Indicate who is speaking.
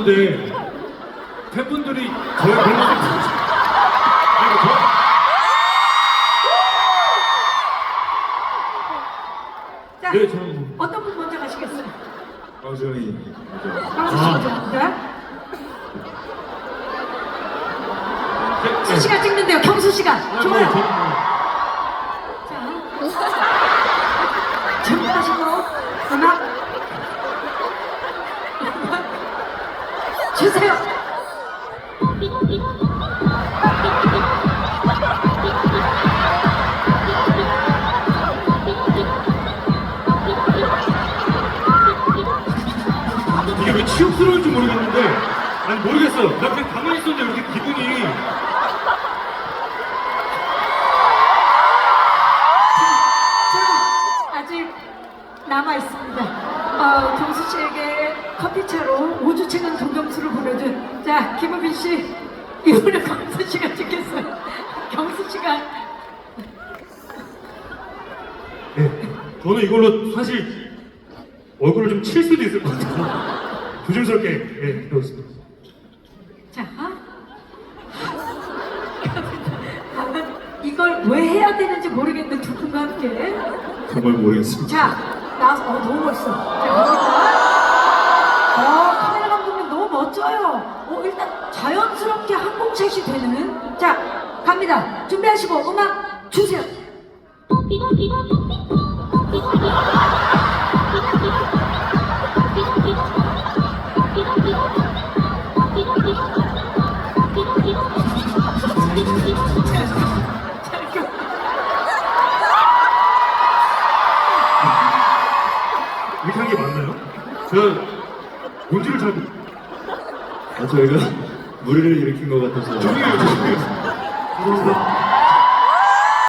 Speaker 1: 죄송한데 팬분들이 저의 별로
Speaker 2: 자,
Speaker 1: 네, 저는
Speaker 2: 어떤 분 먼저 가시겠어요?
Speaker 3: 저희
Speaker 2: 광수 씨 먼저 갑니다. 경수 씨가 찍는데요. 경수 씨가 좋아요. 자, 준비하시고 음악 주세요.
Speaker 1: 이게 왜 치욕스러운지 모르겠는데, 아니 모르겠어요. 나 그냥 가만히 있었는데 왜 이렇게 기분이.
Speaker 2: 자, 아직 남아 있습니다. 경수 씨에게 커피차로 5주차간 동경수를 보내준 자 김우빈 씨 이번에 경수 씨가 찍겠어요. 경수 씨가
Speaker 1: 네, 저는 이걸로 사실 얼굴을 좀 칠 수도 있을 것 같아서 조심스럽게 해보겠습니다.
Speaker 2: 자 이걸 왜 해야 되는지 모르겠는 두 분과 함께
Speaker 3: 정말 모르겠습니다.
Speaker 2: 자 나와서 너무 멋있어. 자 갑니다. 카메라 감독님 너무 멋져요. 일단 자연스럽게 항공샷이 되는 자 갑니다. 준비하시고 음악 주세요.
Speaker 1: 이렇게 한 게 맞나요? 제가 뭔지를 잘
Speaker 3: 저희가 무리를 일으킨 것 같아서
Speaker 1: 죄송해요. 죄송합니다.